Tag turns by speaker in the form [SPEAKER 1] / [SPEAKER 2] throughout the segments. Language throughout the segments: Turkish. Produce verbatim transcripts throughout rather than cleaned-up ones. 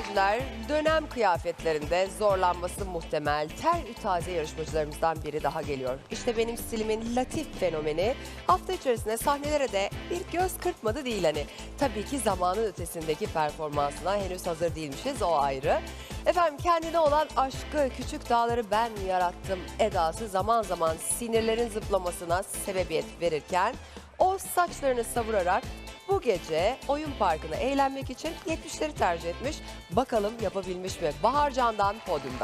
[SPEAKER 1] seyirciler, dönem kıyafetlerinde zorlanması muhtemel ter-ü-taze yarışmacılarımızdan biri daha geliyor. İşte benim stilimin latif fenomeni hafta içerisinde sahnelere de bir göz kırpmadı değil hani. Tabii ki zamanın ötesindeki performansına henüz hazır değilmişiz, o ayrı. Efendim kendine olan aşkı, küçük dağları ben yarattım edası zaman zaman sinirlerin zıplamasına sebebiyet verirken o saçlarını savurarak bu gece oyun parkına eğlenmek için yetmişleri tercih etmiş. Bakalım yapabilmiş mi? Bahar Can'dan podyumda.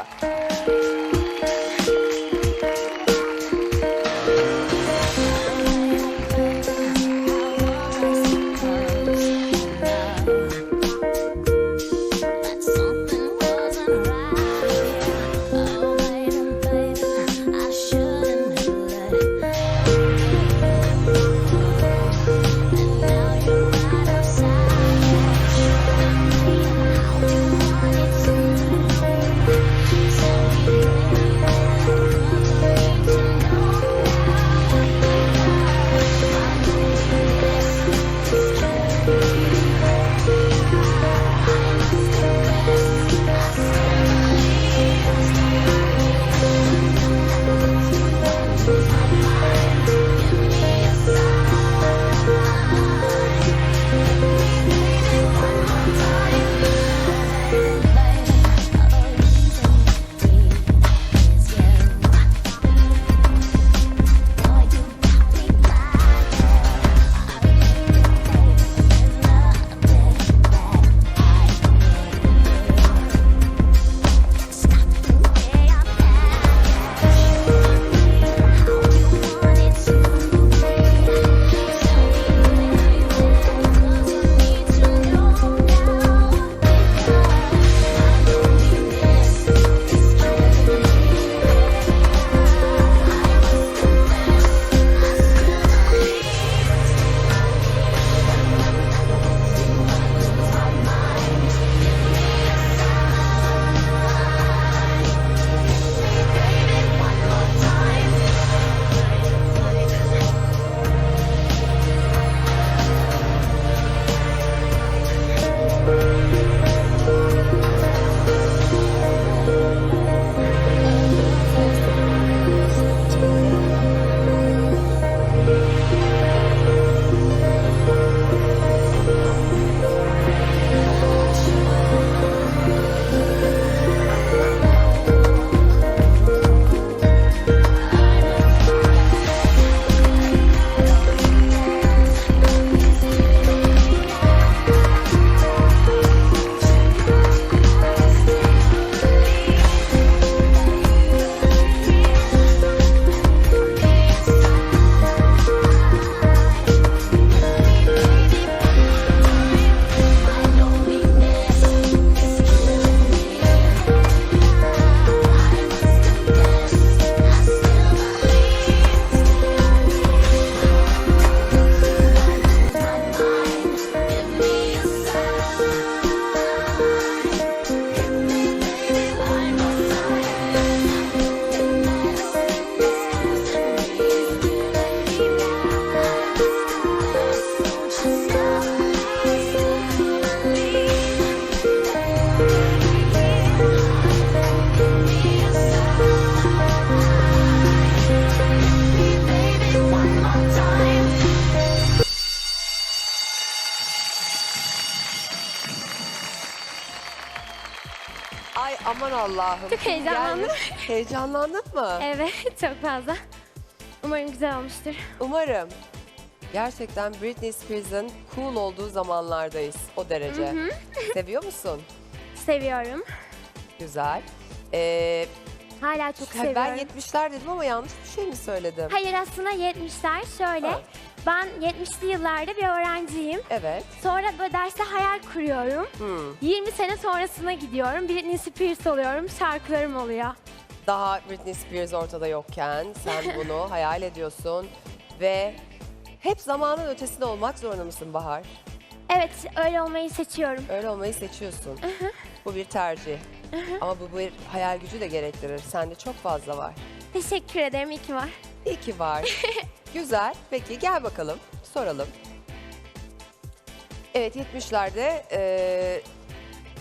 [SPEAKER 1] Ay aman Allah'ım.
[SPEAKER 2] Çok heyecanlandım.
[SPEAKER 1] Yani, heyecanlandın mı?
[SPEAKER 2] Evet, çok fazla. Umarım güzel olmuştur.
[SPEAKER 1] Umarım. Gerçekten Britney Spears'ın cool olduğu zamanlardayız o derece.
[SPEAKER 2] Hı hı.
[SPEAKER 1] Seviyor musun?
[SPEAKER 2] Seviyorum.
[SPEAKER 1] Güzel. Ee,
[SPEAKER 2] Hala çok
[SPEAKER 1] ben
[SPEAKER 2] seviyorum.
[SPEAKER 1] yetmişler dedim ama yanlış bir şey mi söyledim?
[SPEAKER 2] Hayır, aslında yetmişler şöyle.
[SPEAKER 1] Ha.
[SPEAKER 2] Ben yetmişli yıllarda bir öğrenciyim.
[SPEAKER 1] Evet.
[SPEAKER 2] Sonra böyle derste hayal kuruyorum.
[SPEAKER 1] Hmm.
[SPEAKER 2] yirmi sene sonrasına gidiyorum. Britney Spears oluyorum. Şarkılarım oluyor.
[SPEAKER 1] Daha Britney Spears ortada yokken sen bunu hayal ediyorsun ve hep zamanın ötesinde olmak zorunda mısın Bahar?
[SPEAKER 2] Evet, öyle olmayı seçiyorum.
[SPEAKER 1] Öyle olmayı seçiyorsun. Bu bir tercih. Ama bu bir hayal gücü de gerektirir. Sende çok fazla var.
[SPEAKER 2] Teşekkür ederim, iyi ki var.
[SPEAKER 1] İyi ki var. Güzel. Peki gel bakalım. Soralım. Evet yetmişlerde e,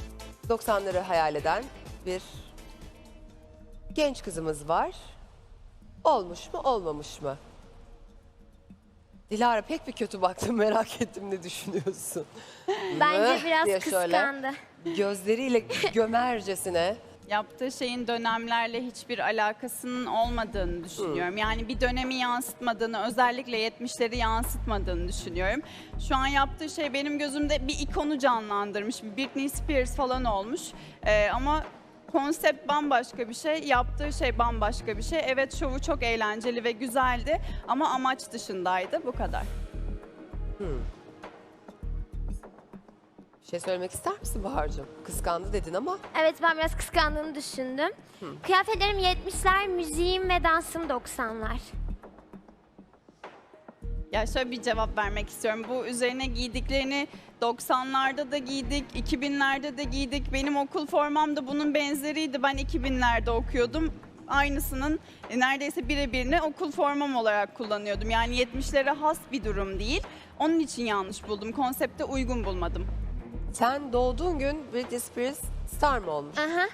[SPEAKER 1] doksanları hayal eden bir genç kızımız var. Olmuş mu, olmamış mı? Dilara pek bir kötü baktım, merak ettim ne düşünüyorsun?
[SPEAKER 2] Bence
[SPEAKER 1] Öh
[SPEAKER 2] biraz
[SPEAKER 1] diye şöyle
[SPEAKER 2] kıskandı.
[SPEAKER 1] Gözleriyle gömercesine.
[SPEAKER 3] Yaptığı şeyin dönemlerle hiçbir alakasının olmadığını düşünüyorum. Yani bir dönemi yansıtmadığını, özellikle yetmişleri yansıtmadığını düşünüyorum. Şu an yaptığı şey benim gözümde bir ikonu canlandırmış. Bir Britney Spears falan olmuş. Ee, ama konsept bambaşka bir şey, yaptığı şey bambaşka bir şey. Evet, şovu çok eğlenceli ve güzeldi ama amaç dışındaydı. Bu kadar.
[SPEAKER 1] Bir şey söylemek ister misin Bahar'cığım? Kıskandı dedin ama
[SPEAKER 2] Evet, ben biraz kıskandığını düşündüm. Kıyafetlerim yetmişler, müziğim ve dansım doksanlar.
[SPEAKER 3] Ya şöyle bir cevap vermek istiyorum. Bu üzerine giydiklerini doksanlarda da giydik, iki binlerde de giydik. Benim okul formam da bunun benzeriydi. Ben iki binlerde okuyordum. Aynısının e, neredeyse birebirini okul formam olarak kullanıyordum. Yani yetmişlere has bir durum değil. Onun için yanlış buldum. Konsepte uygun bulmadım.
[SPEAKER 1] sen doğduğun gün Britney Spears star mı olmuş?
[SPEAKER 2] Aha.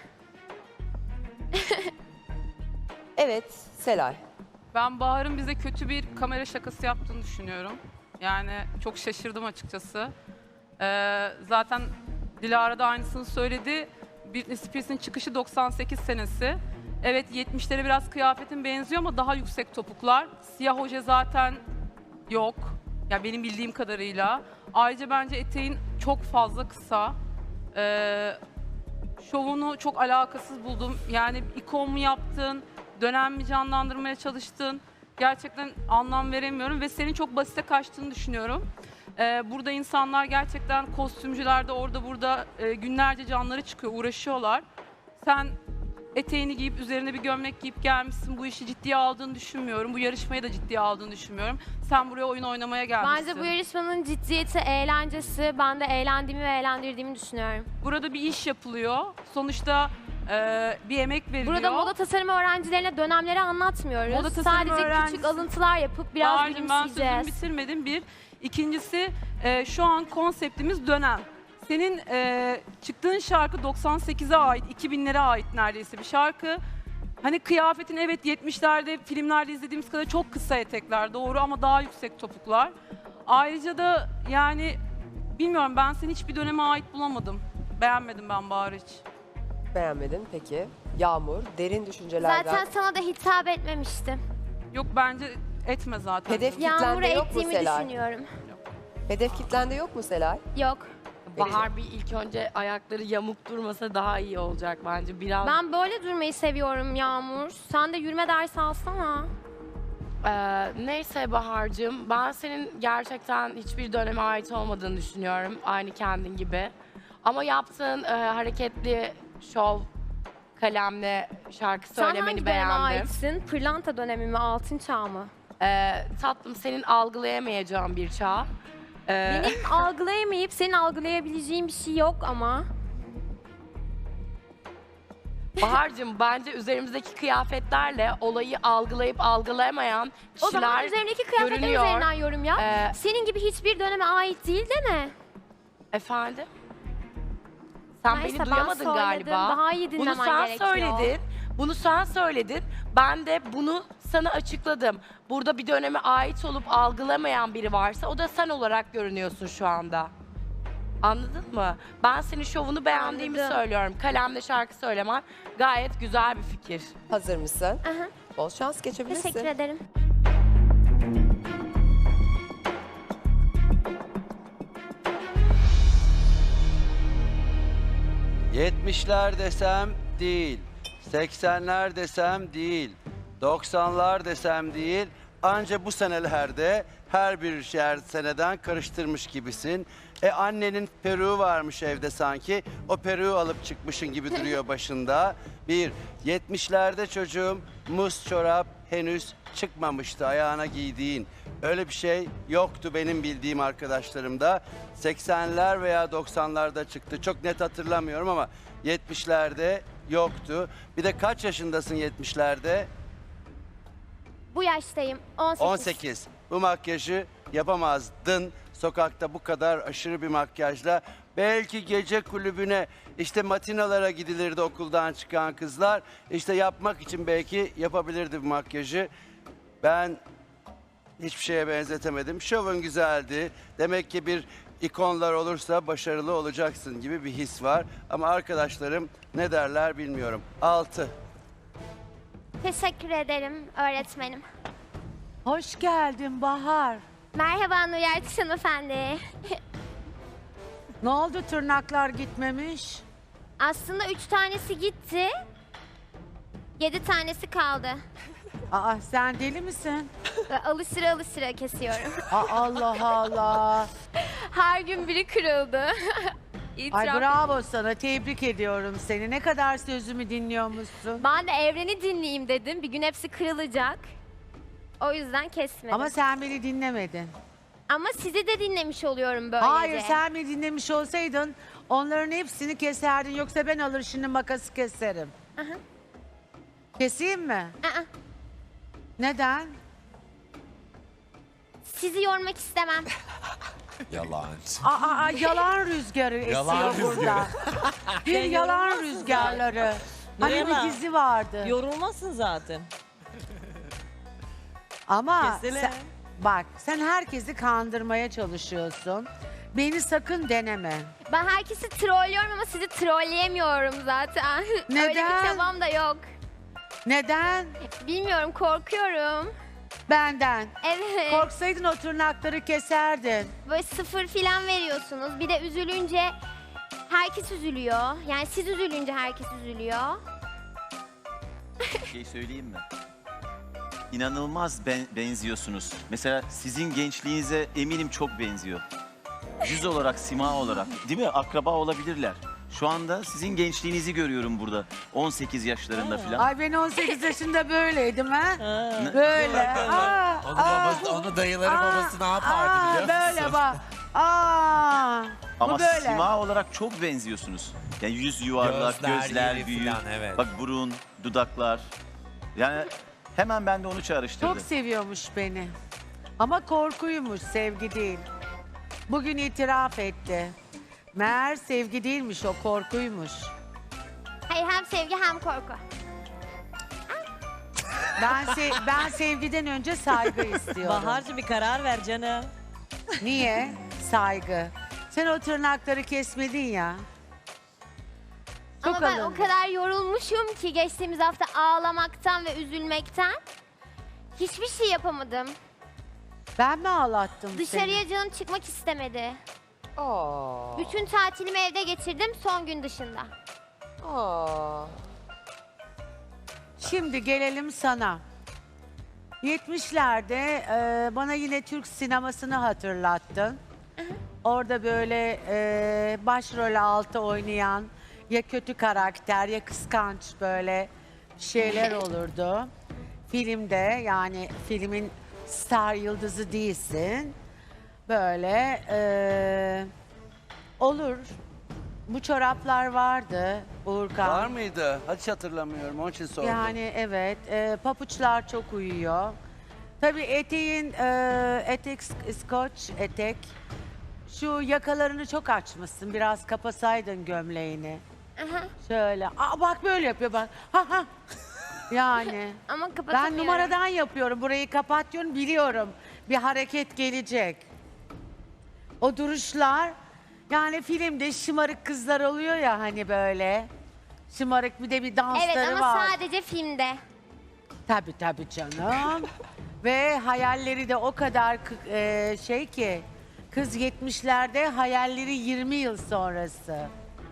[SPEAKER 1] Evet, Selay.
[SPEAKER 4] Ben Bahar'ın bize kötü bir kamera şakası yaptığını düşünüyorum. Yani çok şaşırdım açıkçası. Ee, zaten Dilara da aynısını söyledi. Britney Spears'in çıkışı doksan sekiz senesi. Evet, yetmişlere biraz kıyafetin benziyor ama daha yüksek topuklar. Siyah oje zaten yok. Ya benim bildiğim kadarıyla. Ayrıca bence eteğin çok fazla kısa. Ee, şovunu çok alakasız buldum. Yani ikon mu yaptın, dönem mi canlandırmaya çalıştın? Gerçekten anlam veremiyorum ve senin çok basite kaçtığını düşünüyorum. Ee, burada insanlar gerçekten kostümcülerde orada burada e, günlerce canları çıkıyor, uğraşıyorlar. Sen eteğini giyip üzerine bir gömlek giyip gelmişsin. Bu işi ciddiye aldığını düşünmüyorum. Bu yarışmayı da ciddiye aldığını düşünmüyorum. Sen buraya oyun oynamaya gelmişsin.
[SPEAKER 2] Bence bu yarışmanın ciddiyeti, eğlencesi. Ben de eğlendiğimi ve eğlendirdiğimi düşünüyorum.
[SPEAKER 4] Burada bir iş yapılıyor. Sonuçta e, bir emek veriliyor.
[SPEAKER 2] Burada moda tasarımı öğrencilerine dönemleri anlatmıyoruz.
[SPEAKER 4] Moda tasarımı
[SPEAKER 2] Sadece
[SPEAKER 4] öğrencisi-
[SPEAKER 2] küçük alıntılar yapıp biraz
[SPEAKER 4] Bahar'cığım, ben sözümü
[SPEAKER 2] gülümseyeceğiz.
[SPEAKER 4] bitirmedim bir. İkincisi e, şu an konseptimiz dönem. Senin e, çıktığın şarkı doksan sekize ait, iki binlere ait neredeyse bir şarkı. Hani kıyafetin evet yetmişlerde filmlerde izlediğimiz kadar çok kısa etekler doğru ama daha yüksek topuklar. Ayrıca da yani bilmiyorum, ben seni hiçbir döneme ait bulamadım. Beğenmedim ben Bahar hiç.
[SPEAKER 1] Beğenmedin peki. Yağmur, derin düşüncelerden.
[SPEAKER 2] Zaten sana da hitap etmemiştim.
[SPEAKER 4] Yok, bence etme zaten.
[SPEAKER 1] Hedef
[SPEAKER 4] canım.
[SPEAKER 1] Kitlende
[SPEAKER 2] Yağmur'a
[SPEAKER 1] yok mu
[SPEAKER 2] ettiğimi
[SPEAKER 1] Selay?
[SPEAKER 2] düşünüyorum.
[SPEAKER 1] Hedef kitlende yok mu Selay?
[SPEAKER 2] Yok.
[SPEAKER 5] Bahar bir ilk önce ayakları yamuk durmasa daha iyi olacak bence. Biraz
[SPEAKER 2] Ben böyle durmayı seviyorum Yağmur. Sen de yürüme dersi alsana.
[SPEAKER 5] Ee, neyse Bahar'cığım, ben senin gerçekten hiçbir döneme ait olmadığını düşünüyorum. Aynı kendin gibi. Ama yaptığın e, hareketli şov, kalemle şarkı
[SPEAKER 2] Sen hangi
[SPEAKER 5] söylemeni
[SPEAKER 2] döneme
[SPEAKER 5] beğendim.
[SPEAKER 2] aitsin? Pırlanta dönemi mi, altın çağ mı?
[SPEAKER 5] Ee, tatlım, senin algılayamayacağın bir çağ. Ee,
[SPEAKER 2] Benim algılayamayıp senin algılayabileceğin bir şey yok ama.
[SPEAKER 5] Bahar'cığım, bence üzerimizdeki kıyafetlerle olayı algılayıp algılayamayan
[SPEAKER 2] O zaman
[SPEAKER 5] kişiler
[SPEAKER 2] üzerindeki kıyafetler
[SPEAKER 5] görünüyor.
[SPEAKER 2] üzerinden yorum yap.
[SPEAKER 5] Ee,
[SPEAKER 2] Senin gibi hiçbir döneme ait değil değil mi?
[SPEAKER 5] Efendim? Sen
[SPEAKER 2] Neyse,
[SPEAKER 5] beni
[SPEAKER 2] ben
[SPEAKER 5] duyamadın
[SPEAKER 2] söyledim.
[SPEAKER 5] galiba.
[SPEAKER 2] Daha iyi
[SPEAKER 5] Bunu
[SPEAKER 2] dinlemen
[SPEAKER 5] sen
[SPEAKER 2] gerekiyor.
[SPEAKER 5] söyledin. Bunu sen söyledin. Ben de bunu sana açıkladım. Burada bir döneme ait olup algılamayan biri varsa o da sen olarak görünüyorsun şu anda. Anladın mı? Ben senin şovunu beğendiğimi
[SPEAKER 2] Anladım.
[SPEAKER 5] söylüyorum. Kalemle şarkı söylemen gayet güzel bir fikir.
[SPEAKER 1] Hazır mısın?
[SPEAKER 2] Aha,
[SPEAKER 1] Bol şans, geçebilirsin.
[SPEAKER 2] teşekkür ederim.
[SPEAKER 6] yetmişler desem değil, seksenler desem değil, doksanlar desem değil. Anca bu senelerde her bir yer seneden karıştırmış gibisin. E annenin peruğu varmış evde sanki. O peruğu alıp çıkmışın gibi duruyor başında. Bir, yetmişlerde çocuğum muz çorap henüz çıkmamıştı ayağına giydiğin. Öyle bir şey yoktu benim bildiğim arkadaşlarımda. seksenler veya doksanlarda çıktı. Çok net hatırlamıyorum ama yetmişlerde yoktu. Bir de kaç yaşındasın yetmişlerde?
[SPEAKER 2] Bu yaştayım. on sekiz.
[SPEAKER 6] on sekiz. Bu makyajı yapamazdın. sokakta bu kadar aşırı bir makyajla. Belki gece kulübüne, işte matinalara gidilirdi okuldan çıkan kızlar. İşte yapmak için belki yapabilirdi bu makyajı. Ben hiçbir şeye benzetemedim. Şovun güzeldi. Demek ki bir ikonlar olursa başarılı olacaksın gibi bir his var. Ama arkadaşlarım ne derler bilmiyorum. Altı.
[SPEAKER 2] Teşekkür ederim öğretmenim.
[SPEAKER 7] Hoş geldin Bahar.
[SPEAKER 2] Merhaba Nur Yertiş hanımefendi.
[SPEAKER 7] Ne oldu, tırnaklar gitmemiş?
[SPEAKER 2] Aslında üç tanesi gitti. Yedi tanesi kaldı.
[SPEAKER 7] Aa, sen deli misin?
[SPEAKER 2] Ve alışıra alışıra kesiyorum.
[SPEAKER 7] Aa, Allah Allah.
[SPEAKER 2] Her gün biri kırıldı.
[SPEAKER 7] Ay
[SPEAKER 2] İtiraf.
[SPEAKER 7] bravo sana, tebrik ediyorum seni. Ne kadar sözümü dinliyormuşsun.
[SPEAKER 2] Ben de evreni dinleyeyim dedim. Bir gün hepsi kırılacak. O yüzden kesmedim.
[SPEAKER 7] Ama sen beni dinlemedin.
[SPEAKER 2] Ama sizi de dinlemiş oluyorum böylece.
[SPEAKER 7] Hayır, sen beni dinlemiş olsaydın onların hepsini keserdin. Yoksa ben alır şimdi makası keserim.
[SPEAKER 2] Aha.
[SPEAKER 7] Keseyim mi?
[SPEAKER 2] Aa,
[SPEAKER 7] Neden?
[SPEAKER 2] sizi yormak istemem.
[SPEAKER 8] Yalancı.
[SPEAKER 7] Aa, aa, yalan rüzgarı esiyor
[SPEAKER 8] Yalan
[SPEAKER 7] burada. Bir yalan rüzgarları. Hani bir
[SPEAKER 9] Nurella,
[SPEAKER 7] dizi vardı.
[SPEAKER 9] Yorulmasın zaten.
[SPEAKER 7] Ama
[SPEAKER 9] Kesene.
[SPEAKER 7] sen, bak sen herkesi kandırmaya çalışıyorsun. Beni sakın deneme.
[SPEAKER 2] Ben herkesi trollüyorum ama sizi trolleyemiyorum zaten. Öyle
[SPEAKER 7] Neden?
[SPEAKER 2] bir çabam da yok.
[SPEAKER 7] Neden?
[SPEAKER 2] Bilmiyorum, korkuyorum.
[SPEAKER 7] Benden.
[SPEAKER 2] Evet.
[SPEAKER 7] Korksaydın o tırnakları keserdin.
[SPEAKER 2] Böyle sıfır filan veriyorsunuz. Bir de üzülünce herkes üzülüyor. Yani siz üzülünce herkes üzülüyor.
[SPEAKER 10] Bir şey söyleyeyim mi? İnanılmaz ben- benziyorsunuz. Mesela sizin gençliğinize eminim çok benziyor. Yüz olarak, sima olarak. Değil mi? Akraba olabilirler. Şu anda sizin gençliğinizi görüyorum burada. on sekiz yaşlarında falan.
[SPEAKER 7] Ay ben on sekiz yaşında böyleydim ha.
[SPEAKER 9] Ha.
[SPEAKER 7] Böyle. Aa,
[SPEAKER 8] Onu,
[SPEAKER 7] aa,
[SPEAKER 8] babası, onu dayıları
[SPEAKER 7] aa,
[SPEAKER 8] babası ne yapardı
[SPEAKER 7] aa,
[SPEAKER 8] biliyor musun?
[SPEAKER 7] Böyle bak. Aa,
[SPEAKER 10] Ama
[SPEAKER 7] bu böyle.
[SPEAKER 10] sima olarak çok benziyorsunuz. Yani yüz yuvarlak,
[SPEAKER 8] Gözler
[SPEAKER 10] gözler,
[SPEAKER 8] iri
[SPEAKER 10] büyük.
[SPEAKER 8] falan, evet.
[SPEAKER 10] Bak burun, dudaklar. Yani hemen ben de onu çağrıştırdım.
[SPEAKER 7] Çok seviyormuş beni. Ama korkuymuş, sevgi değil. Bugün itiraf etti. Meğer sevgi değilmiş, o korkuymuş.
[SPEAKER 2] Hayır, hem sevgi hem korku.
[SPEAKER 7] Ben se- ben sevgiden önce saygı istiyorum.
[SPEAKER 9] Bahar'cığım bir karar ver canım.
[SPEAKER 7] Niye? Saygı. Sen o tırnakları kesmedin ya. Çok
[SPEAKER 2] Ama ben o
[SPEAKER 7] alındı.
[SPEAKER 2] kadar yorulmuşum ki geçtiğimiz hafta ağlamaktan ve üzülmekten. Hiçbir şey yapamadım.
[SPEAKER 7] Ben mi ağlattım
[SPEAKER 2] Dışarıya canım çıkmak istemedi.
[SPEAKER 1] Aa.
[SPEAKER 2] Bütün tatilimi evde geçirdim son gün dışında.
[SPEAKER 1] Aa.
[SPEAKER 7] seni? Şimdi gelelim sana. yetmişlerde e, bana yine Türk sinemasını hatırlattın. Orada böyle e, başrol altı oynayan ya kötü karakter ya kıskanç böyle şeyler olurdu. Filmde, yani filmin star yıldızı değilsin. Böyle e, olur. Bu çoraplar vardı Uğurkan.
[SPEAKER 6] Var mıydı? Hiç hatırlamıyorum. Onun için sordum.
[SPEAKER 7] Yani evet, e, papuçlar çok uyuyor. Tabii eteğin, e, etek, skoç etek. Şu yakalarını çok açmışsın. Biraz kapasaydın gömleğini.
[SPEAKER 2] Aha.
[SPEAKER 7] Şöyle. Aa bak böyle yapıyor bak. Ha ha. Yani.
[SPEAKER 2] Ama kapatamıyorum.
[SPEAKER 7] Ben numaradan yapıyorum. Burayı kapat diyorum, biliyorum. Bir hareket gelecek. O duruşlar, yani filmde şımarık kızlar oluyor ya hani böyle. Şımarık, bir de bir dansları
[SPEAKER 2] Evet ama
[SPEAKER 7] var.
[SPEAKER 2] sadece filmde.
[SPEAKER 7] Tabii tabii canım. Ve hayalleri de o kadar kı- e, şey ki, kız yetmişlerde, hayalleri yirmi yıl sonrası.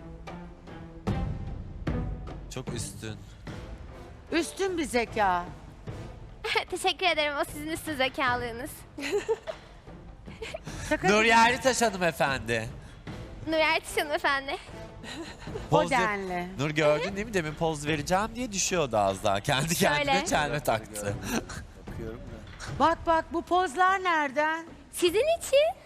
[SPEAKER 8] Çok üstün.
[SPEAKER 7] Üstün bir zeka.
[SPEAKER 2] Teşekkür ederim, o sizin üstün zekalığınız.
[SPEAKER 7] Şaka
[SPEAKER 8] Nur
[SPEAKER 7] değil.
[SPEAKER 8] Yerlitaş hanımefendi.
[SPEAKER 2] Nur Ertiş hanımefendi.
[SPEAKER 7] O
[SPEAKER 8] Poz ver-
[SPEAKER 7] denli.
[SPEAKER 8] Nur gördün değil mi? Demin poz vereceğim diye düşüyordu az daha. Kendi kendine
[SPEAKER 2] Şöyle.
[SPEAKER 8] çelme taktı.
[SPEAKER 6] Bakıyorum da.
[SPEAKER 7] Bak bak, bu pozlar nereden?
[SPEAKER 2] Sizin için.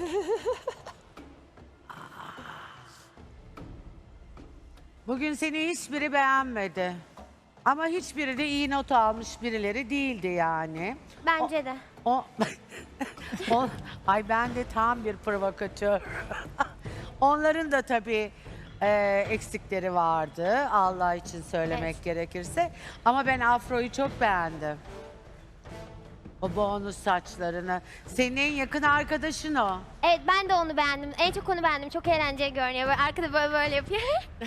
[SPEAKER 7] Bugün seni hiçbiri beğenmedi. Ama hiçbiri de iyi not almış birileri değildi yani.
[SPEAKER 2] Bence de.
[SPEAKER 7] O, o- Ay ben de tam bir provokatör. Onların da tabii e, eksikleri vardı. Allah için söylemek
[SPEAKER 2] Evet.
[SPEAKER 7] gerekirse. Ama ben afroyu çok beğendim. O bonus saçlarını. Senin en yakın arkadaşın o.
[SPEAKER 2] Evet ben de onu beğendim. En çok onu beğendim. Çok eğlenceli görünüyor. Böyle arkada böyle böyle yapıyor.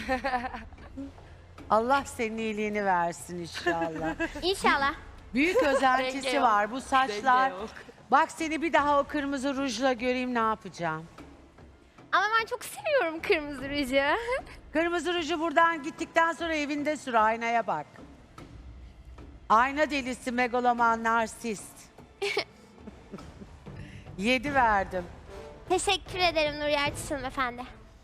[SPEAKER 7] Allah senin iyiliğini versin inşallah.
[SPEAKER 2] İnşallah.
[SPEAKER 7] Büyük özentisi
[SPEAKER 5] yok.
[SPEAKER 7] var bu saçlar.
[SPEAKER 5] Denge yok.
[SPEAKER 7] Bak seni bir daha o kırmızı rujla göreyim ne yapacağım.
[SPEAKER 2] Ama ben çok seviyorum kırmızı ruju.
[SPEAKER 7] Kırmızı ruju buradan gittikten sonra evinde sür aynaya bak. Ayna delisi, megaloman, narsist. Yedi verdim.
[SPEAKER 2] Teşekkür ederim Nur Yerçiş hanımefendi.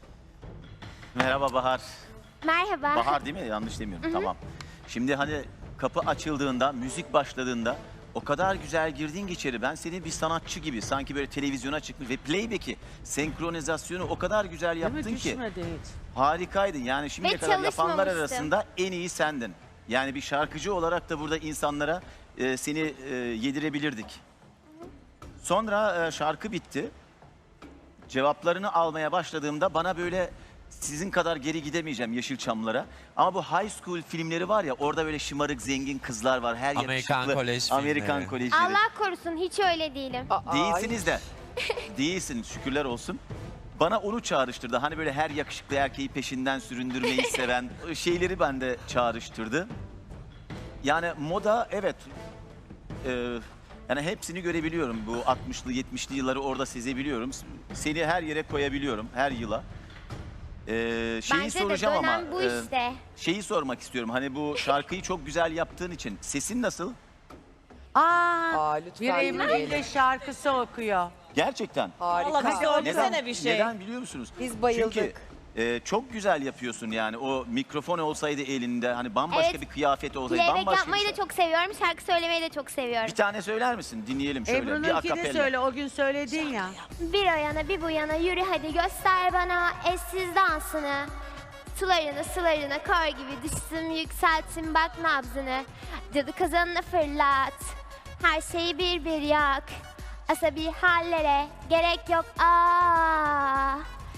[SPEAKER 10] Merhaba Bahar.
[SPEAKER 2] Merhaba.
[SPEAKER 10] Bahar değil mi? Yanlış demiyorum. Tamam. Şimdi hani kapı açıldığında, müzik başladığında o kadar güzel girdin ki içeri. Ben seni bir sanatçı gibi sanki böyle televizyona çıkmış ve playback'i, senkronizasyonu o kadar güzel
[SPEAKER 7] Değil mi?
[SPEAKER 10] yaptın ki.
[SPEAKER 7] Düşmedi hiç.
[SPEAKER 10] Harikaydın. Yani şimdiye
[SPEAKER 2] Ve
[SPEAKER 10] kadar yapanlar
[SPEAKER 2] çalışmamıştım.
[SPEAKER 10] arasında en iyi sendin. Yani bir şarkıcı olarak da burada insanlara e, seni e, yedirebilirdik. Sonra e, şarkı bitti. Cevaplarını almaya başladığımda bana böyle sizin kadar geri gidemeyeceğim Yeşilçamlara. Ama bu high school filmleri var ya orada böyle şımarık zengin kızlar var. Her
[SPEAKER 8] Amerikan
[SPEAKER 10] yakışıklı
[SPEAKER 8] kolej
[SPEAKER 10] Amerikan
[SPEAKER 8] filmleri.
[SPEAKER 10] kolejleri.
[SPEAKER 2] Allah korusun hiç öyle değilim.
[SPEAKER 1] Aa,
[SPEAKER 10] Değilsiniz de. Değilsin şükürler olsun. Bana onu çağrıştırdı. Hani böyle her yakışıklı erkeği peşinden süründürmeyi seven şeyleri bende çağrıştırdı. Yani moda evet. e, yani hepsini görebiliyorum. Bu altmışlı yetmişli yılları orada sezebiliyorum. Seni her yere koyabiliyorum her yıla. E, şeyi
[SPEAKER 2] Bence de
[SPEAKER 10] soracağım ama
[SPEAKER 2] dönem bu
[SPEAKER 10] e,
[SPEAKER 2] işte.
[SPEAKER 10] şeyi sormak istiyorum. Hani bu şarkıyı çok güzel yaptığın için sesin nasıl?
[SPEAKER 7] Aa,
[SPEAKER 1] Aa,
[SPEAKER 7] bir
[SPEAKER 1] lütfen
[SPEAKER 7] Emre
[SPEAKER 1] dinleyelim.
[SPEAKER 7] ile şarkısı okuyor.
[SPEAKER 10] Gerçekten.
[SPEAKER 1] Harika.
[SPEAKER 9] Vallahi bize
[SPEAKER 10] Neden?
[SPEAKER 9] öğretsene bir şey.
[SPEAKER 10] Neden biliyor musunuz?
[SPEAKER 1] Biz bayıldık.
[SPEAKER 10] Çünkü e, çok güzel yapıyorsun yani. O mikrofon olsaydı elinde hani bambaşka
[SPEAKER 2] Evet.
[SPEAKER 10] bir kıyafet olsaydı
[SPEAKER 2] Playback
[SPEAKER 10] bambaşka
[SPEAKER 2] yapmayı
[SPEAKER 10] bir
[SPEAKER 2] da
[SPEAKER 10] şey.
[SPEAKER 2] çok seviyorum. Şarkı söylemeyi de çok seviyorum.
[SPEAKER 10] Bir tane söyler misin? Dinleyelim şöyle. bir
[SPEAKER 7] Ebru'nunkini
[SPEAKER 10] akapella.
[SPEAKER 7] söyle o gün söyledin ya.
[SPEAKER 2] Bir o yana bir bu yana yürü hadi göster bana eşsiz dansını. Sularını sularını kar gibi düşsün yükseltin bak nabzını. Cadı kazanını fırlat. Her şeyi bir bir yak. Asabi hallere gerek yok aa.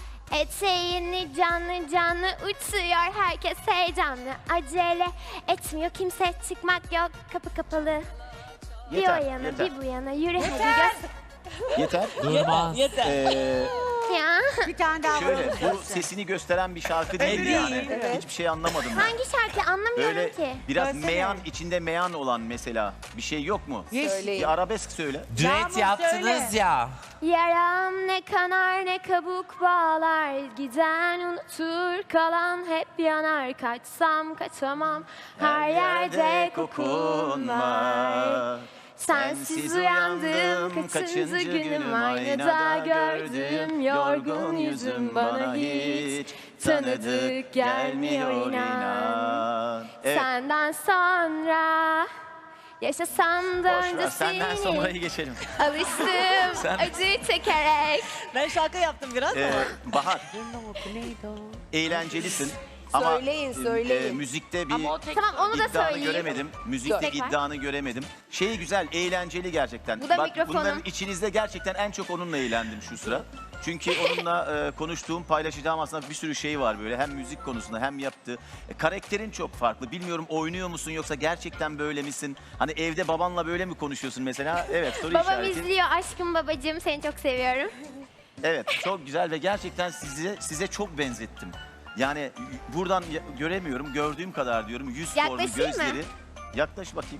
[SPEAKER 2] Eteğini canlı canlı uçuyor herkes heyecanlı. Acele etmiyor kimse çıkmak yok kapı kapalı. Bir
[SPEAKER 10] Yeter,
[SPEAKER 2] o yana
[SPEAKER 10] yeter.
[SPEAKER 2] bir bu yana yürü hadi göster.
[SPEAKER 10] Yeter.
[SPEAKER 8] Durmaz.
[SPEAKER 9] Yeter.
[SPEAKER 10] Ee,
[SPEAKER 2] Ya.
[SPEAKER 7] Bir tane daha
[SPEAKER 10] şöyle
[SPEAKER 7] vuralım
[SPEAKER 10] bu
[SPEAKER 7] göster.
[SPEAKER 10] sesini gösteren bir şarkı değil yani.
[SPEAKER 1] Evet.
[SPEAKER 10] Hiçbir şey anlamadım ben.
[SPEAKER 2] Hangi şarkı anlamıyorum
[SPEAKER 10] Böyle
[SPEAKER 2] ki.
[SPEAKER 10] biraz
[SPEAKER 7] Söylesene.
[SPEAKER 10] meyan içinde meyan olan mesela bir şey yok mu?
[SPEAKER 7] Yes.
[SPEAKER 1] Söyleyin.
[SPEAKER 10] Bir arabesk söyle.
[SPEAKER 8] Düet
[SPEAKER 7] Yağmur
[SPEAKER 8] yaptınız
[SPEAKER 7] söyle.
[SPEAKER 8] ya.
[SPEAKER 2] Yaram ne kanar ne kabuk bağlar. Giden unutur kalan hep yanar. Kaçsam kaçamam her yerde kokun var. Sensiz uyandım kaçıncı günüm aynada gördüm yorgun yüzüm bana hiç tanıdık gelmiyor inan.
[SPEAKER 10] Evet.
[SPEAKER 2] Senden sonra yaşasam da
[SPEAKER 10] Boş
[SPEAKER 2] önce
[SPEAKER 10] ver, senden
[SPEAKER 2] seni
[SPEAKER 10] sonrayı geçelim.
[SPEAKER 2] alıştım
[SPEAKER 10] Sen-
[SPEAKER 2] acı çekerek.
[SPEAKER 9] Ben şarkı yaptım biraz
[SPEAKER 10] Ee,
[SPEAKER 9] ama.
[SPEAKER 10] Bahar,
[SPEAKER 7] Neydi o?
[SPEAKER 10] eğlencelisin. Ama
[SPEAKER 1] Söyleyin,
[SPEAKER 10] e,
[SPEAKER 1] söyleyin.
[SPEAKER 10] e, müzikte bir
[SPEAKER 5] Ama o tek
[SPEAKER 2] Tamam onu da
[SPEAKER 10] iddianı
[SPEAKER 2] söyleyeyim.
[SPEAKER 10] göremedim. Müzikte
[SPEAKER 2] Tek var.
[SPEAKER 10] iddianı göremedim. Şey güzel, eğlenceli gerçekten.
[SPEAKER 2] Bu da
[SPEAKER 10] Bak
[SPEAKER 2] mikrofonum.
[SPEAKER 10] bunların içinizde gerçekten en çok onunla eğlendim şu sıra. Çünkü onunla e, konuştuğum, paylaşacağım aslında bir sürü şey var böyle. Hem müzik konusunda hem yaptığı. E, karakterin çok farklı. Bilmiyorum oynuyor musun yoksa gerçekten böyle misin? Hani evde babanla böyle mi konuşuyorsun mesela? Evet, soru
[SPEAKER 2] Babam
[SPEAKER 10] işareti.
[SPEAKER 2] izliyor aşkım babacığım seni çok seviyorum.
[SPEAKER 10] Evet, çok güzel ve gerçekten size size çok benzettim. Yani buradan ya- göremiyorum, gördüğüm kadar diyorum. Yüz formu,
[SPEAKER 2] Yaklaşayım mı?
[SPEAKER 10] gözleri. Yaklaş bakayım.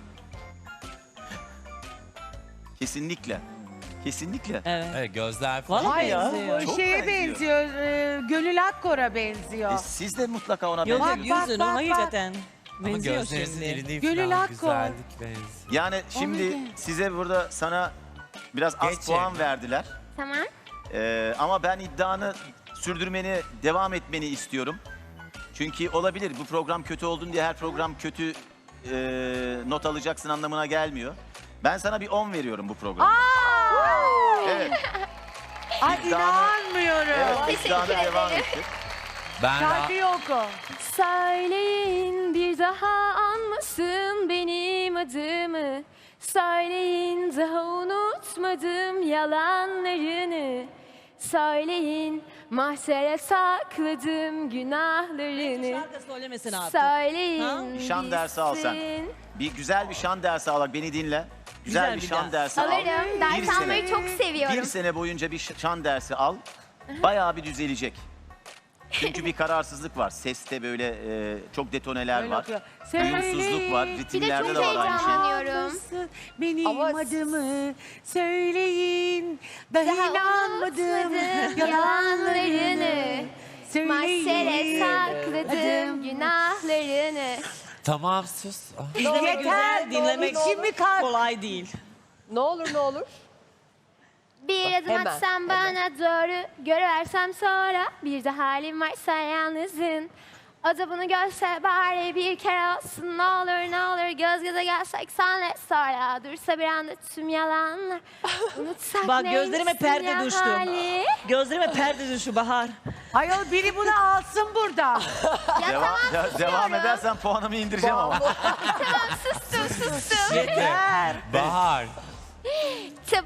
[SPEAKER 10] Kesinlikle. Kesinlikle.
[SPEAKER 9] Evet.
[SPEAKER 8] Evet, gözler falan.
[SPEAKER 9] Vallahi
[SPEAKER 10] ya.
[SPEAKER 9] benziyor.
[SPEAKER 10] Çok
[SPEAKER 7] Şeye
[SPEAKER 10] benziyor.
[SPEAKER 7] benziyor, e, Gönül Akkor'a benziyor.
[SPEAKER 10] E, siz de mutlaka ona
[SPEAKER 9] Yok
[SPEAKER 7] Bak,
[SPEAKER 9] yok
[SPEAKER 10] benziyorsunuz.
[SPEAKER 7] bak,
[SPEAKER 9] yüzünü
[SPEAKER 7] bak,
[SPEAKER 9] hakikaten.
[SPEAKER 8] Ama
[SPEAKER 9] Benziyor
[SPEAKER 8] gözlerinizin
[SPEAKER 9] şimdi.
[SPEAKER 8] iri değil
[SPEAKER 7] Gönül
[SPEAKER 8] falan.
[SPEAKER 7] Akkor.
[SPEAKER 8] Güzellik benziyor.
[SPEAKER 10] Yani şimdi
[SPEAKER 7] Omega.
[SPEAKER 10] size burada sana biraz az
[SPEAKER 8] Geçin.
[SPEAKER 10] puan verdiler.
[SPEAKER 2] Tamam.
[SPEAKER 10] Ee, ama ben iddianı sürdürmeni, devam etmeni istiyorum. Çünkü olabilir bu program kötü oldun diye her program kötü e, not alacaksın anlamına gelmiyor. Ben sana bir on veriyorum bu programda. Evet,
[SPEAKER 7] Ay
[SPEAKER 10] İddianı-
[SPEAKER 7] inanmıyorum.
[SPEAKER 10] evet
[SPEAKER 2] Teşekkür
[SPEAKER 10] iddiana devam
[SPEAKER 2] ederim.
[SPEAKER 10] ettik.
[SPEAKER 8] Ben
[SPEAKER 7] Şarkıyı oku.
[SPEAKER 2] Söyleyin bir daha anmasın benim adımı. Söyleyin daha unutmadım yalanlarını. Söyleyin mahşere sakladım günahlarını.
[SPEAKER 9] Şarkı söylemesin artık.
[SPEAKER 2] Söyleyin
[SPEAKER 10] Bir şan dersi al sen.
[SPEAKER 2] bitsin.
[SPEAKER 10] Bir güzel bir şan dersi al. Bak beni dinle. Güzel,
[SPEAKER 9] Güzel
[SPEAKER 10] bir
[SPEAKER 9] bir
[SPEAKER 10] şan
[SPEAKER 9] ders.
[SPEAKER 10] dersi al.
[SPEAKER 2] Alırım. Ders
[SPEAKER 10] Bir
[SPEAKER 2] almayı
[SPEAKER 10] sene.
[SPEAKER 2] çok seviyorum.
[SPEAKER 10] Bir sene boyunca bir şan dersi al. Bayağı bir düzelecek. Çünkü bir kararsızlık var. Seste böyle e, çok detoneler
[SPEAKER 7] Öyle
[SPEAKER 10] var.
[SPEAKER 7] okuyor.
[SPEAKER 10] Uyumsuzluk var.
[SPEAKER 2] Bir de
[SPEAKER 10] Ritimlerde
[SPEAKER 2] çok
[SPEAKER 10] de var aynı şey.
[SPEAKER 2] heyecanlanıyorum.
[SPEAKER 7] Benim
[SPEAKER 1] Ama-
[SPEAKER 7] adımı söyleyin. Daha
[SPEAKER 2] Daha
[SPEAKER 7] inanmadım
[SPEAKER 2] unutmadım
[SPEAKER 7] yalanlarını.
[SPEAKER 2] Mahşere sakladım günahlarını.
[SPEAKER 8] Tamam sus. Ah.
[SPEAKER 9] İzlemek
[SPEAKER 7] Yeter,
[SPEAKER 9] güzel,
[SPEAKER 7] ne olur,
[SPEAKER 9] dinlemek
[SPEAKER 7] ne olur. kalk.
[SPEAKER 9] kolay değil.
[SPEAKER 1] Ne olur ne olur.
[SPEAKER 2] Bir adım
[SPEAKER 1] Hemen,
[SPEAKER 2] atsan bana doğru, görüversem sonra. Bir de halim varsa yalnızın. O da bunu görse bari bir kere olsun. Ne olur ne olur göz göze gelsek senle sonra. Dursa bir anda tüm yalanlar. Unutsak
[SPEAKER 9] Bak,
[SPEAKER 2] neymişsin
[SPEAKER 9] gözlerime perde
[SPEAKER 2] ya
[SPEAKER 9] düştü.
[SPEAKER 2] hali.
[SPEAKER 9] Gözlerime perde düştü Bahar.
[SPEAKER 7] Ayol biri bunu alsın burada.
[SPEAKER 2] Ya
[SPEAKER 10] Devam,
[SPEAKER 2] tamam
[SPEAKER 10] de-
[SPEAKER 2] susuyorum.
[SPEAKER 10] devam edersen puanımı indireceğim ama.
[SPEAKER 2] Tamam sustum sustum.
[SPEAKER 7] Yeter.
[SPEAKER 8] Bahar.
[SPEAKER 2] Tıp.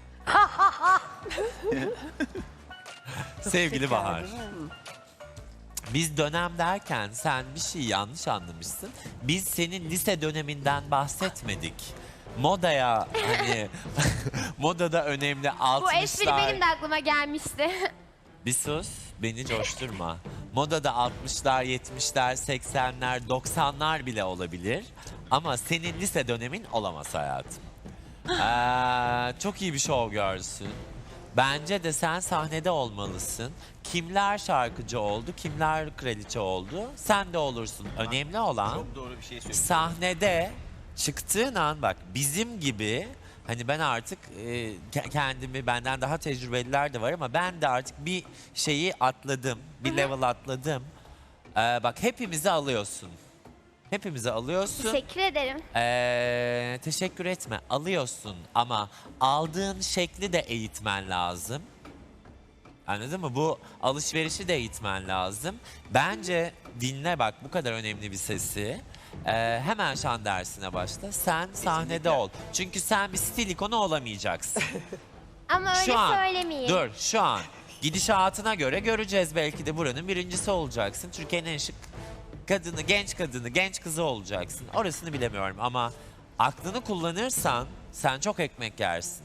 [SPEAKER 8] Sevgili Bahar. Biz dönem derken sen bir şey yanlış anlamışsın. Biz senin lise döneminden bahsetmedik. Modaya hani modada önemli
[SPEAKER 2] Bu
[SPEAKER 8] altmışlar.
[SPEAKER 2] espri benim de aklıma gelmişti.
[SPEAKER 8] Bir sus, beni coşturma. Modada altmışlar, yetmişler, seksenler, doksanlar bile olabilir. Ama senin lise dönemin olamaz hayatım. Ee, çok iyi bir şov görsün. Bence de sen sahnede olmalısın. Kimler şarkıcı oldu, kimler kraliçe oldu, sen de olursun. Önemli olan
[SPEAKER 10] Çok doğru bir şey söylüyorsun.
[SPEAKER 8] sahnede çıktığın an bak bizim gibi hani ben artık e, ke- kendimi benden daha tecrübeliler de var ama ben de artık bir şeyi atladım. Bir level atladım. Ee, bak hepimizi alıyorsun. Hepimizi alıyorsun.
[SPEAKER 2] Teşekkür ederim.
[SPEAKER 8] Ee, teşekkür etme. Alıyorsun ama aldığın şekli de eğitmen lazım. Anladın mı? Bu alışverişi de eğitmen lazım. Bence dinle bak bu kadar önemli bir sesi. Ee, hemen şan dersine başla. Sen sahnede ol. Çünkü sen bir stil ikonu olamayacaksın.
[SPEAKER 2] Ama öyle
[SPEAKER 8] Şu an,
[SPEAKER 2] söylemeyin.
[SPEAKER 8] dur şu an gidişatına göre göreceğiz belki de buranın birincisi olacaksın. Türkiye'nin en şık kadını, genç kadını, genç kızı olacaksın. Orasını bilemiyorum ama aklını kullanırsan sen çok ekmek yersin.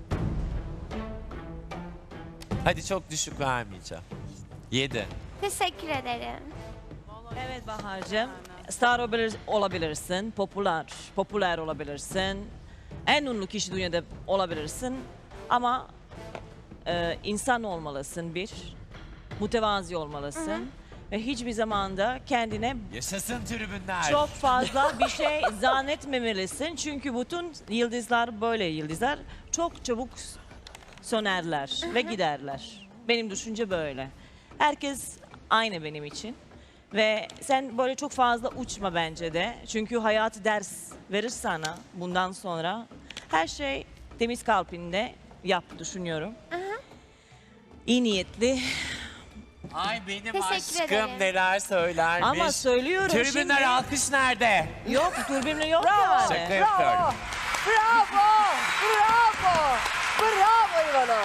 [SPEAKER 8] Hadi çok düşük vermeyeceğim. Yedi.
[SPEAKER 2] Teşekkür ederim.
[SPEAKER 9] Evet Bahar'cığım. Star olabilir- olabilirsin, popüler, popüler olabilirsin. En ünlü kişi dünyada olabilirsin. Ama e, insan olmalısın bir. Mütevazi olmalısın. Ve hiçbir zamanda kendine
[SPEAKER 8] Yaşasın tribünler.
[SPEAKER 9] çok fazla bir şey zannetmemelisin. Çünkü bütün yıldızlar böyle yıldızlar çok çabuk sönerler ve giderler. Benim düşünce böyle. Herkes aynı benim için. Ve sen böyle çok fazla uçma bence de. Çünkü hayat ders verir sana bundan sonra. Her şey temiz kalbinde yap düşünüyorum. İyi niyetli.
[SPEAKER 8] Ay benim
[SPEAKER 2] Teşekkür
[SPEAKER 8] aşkım
[SPEAKER 2] ederim.
[SPEAKER 8] neler söylermiş.
[SPEAKER 9] Ama söylüyorum
[SPEAKER 8] Tribünler
[SPEAKER 9] şimdi.
[SPEAKER 8] alkış nerede?
[SPEAKER 9] Yok, türbinle yok
[SPEAKER 8] Şaka
[SPEAKER 9] yani.
[SPEAKER 8] yapıyorum.
[SPEAKER 1] Bravo! Bravo! Bravo İvana!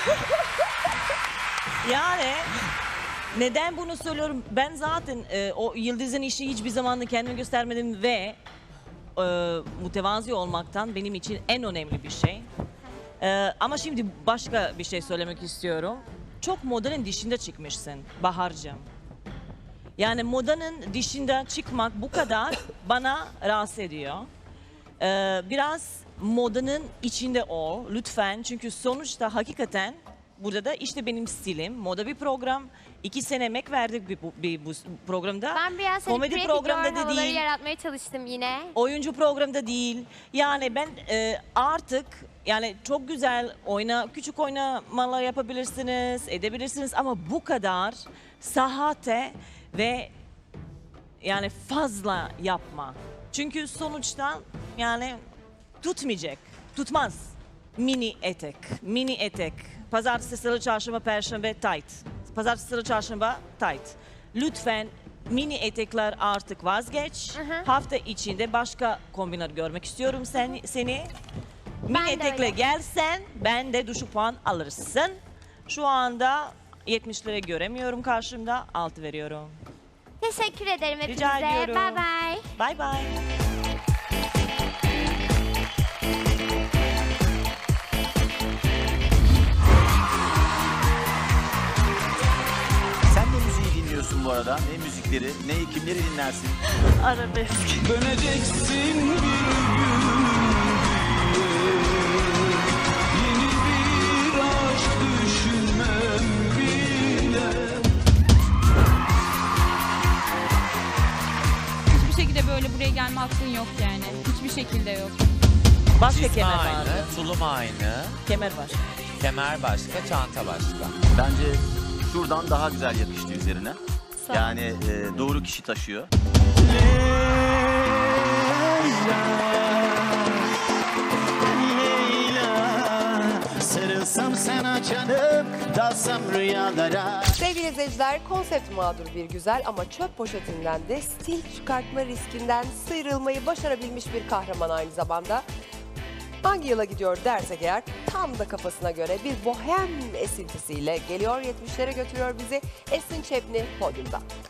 [SPEAKER 9] Yani neden bunu söylüyorum? Ben zaten e, o yıldızın işi hiçbir zaman da kendimi göstermedim ve e, mütevazi olmaktan benim için en önemli bir şey. E, ama şimdi başka bir şey söylemek istiyorum. Çok modanın dışında çıkmışsın Bahar'cığım. Yani modanın dışında çıkmak bu kadar bana rahatsız ediyor. E, biraz modanın içinde ol lütfen. Çünkü sonuçta hakikaten burada da işte benim stilim. Moda bir program. İki sene emek verdik bir, bu- bir bu programda.
[SPEAKER 2] Ben biraz hani
[SPEAKER 9] Komedi
[SPEAKER 2] Komedi
[SPEAKER 9] programda da
[SPEAKER 2] havaları
[SPEAKER 9] değil.
[SPEAKER 2] yaratmaya çalıştım yine.
[SPEAKER 9] Oyuncu programda değil. Yani ben e, artık yani çok güzel oyna, küçük oynamalar yapabilirsiniz, edebilirsiniz ama bu kadar sahate ve yani fazla yapma. Çünkü sonuçta yani tutmayacak, tutmaz. Mini etek, mini etek. Pazartesi, salı, çarşamba, perşembe tight. Pazartesi, salı, çarşamba tight. Lütfen Mini etekler artık vazgeç.
[SPEAKER 2] Hı hı.
[SPEAKER 9] Hafta içinde başka kombinler görmek istiyorum sen, seni. Mini
[SPEAKER 2] de
[SPEAKER 9] etekle
[SPEAKER 2] öyle.
[SPEAKER 9] gelsen ben de düşük puan alırsın. Şu anda yetmişlere göremiyorum karşımda. altı veriyorum.
[SPEAKER 2] Teşekkür ederim hepinize.
[SPEAKER 9] Rica ediyorum.
[SPEAKER 2] Bye bye.
[SPEAKER 9] Bye bye.
[SPEAKER 10] Sen de müziği dinliyorsun bu arada. Ne müzikleri, ne kimleri dinlersin?
[SPEAKER 9] Arabesk.
[SPEAKER 11] Döneceksin bir gün yeni bir aşk düşünmem bile.
[SPEAKER 12] Hiçbir şekilde böyle buraya gelme hakkın yok yani. Hiçbir şekilde yok.
[SPEAKER 9] Başka
[SPEAKER 8] Cismi
[SPEAKER 9] kemer
[SPEAKER 8] aynı,
[SPEAKER 9] vardı.
[SPEAKER 8] tulum aynı,
[SPEAKER 9] Kemer var.
[SPEAKER 8] kemer başka, çanta başka.
[SPEAKER 10] Bence şuradan daha güzel yakıştı üzerine. Yani e, doğru kişi taşıyor.
[SPEAKER 11] Sarılsam sana canım, dalsam rüyalara.
[SPEAKER 1] Sevgili izleyiciler, konsept mağdur bir güzel ama çöp poşetinden de stil çıkartma riskinden sıyrılmayı başarabilmiş bir kahraman aynı zamanda. Hangi yıla gidiyor dersek eğer tam da kafasına göre bir bohem esintisiyle geliyor, yetmişlere götürüyor bizi. Esin Çepni podyumda.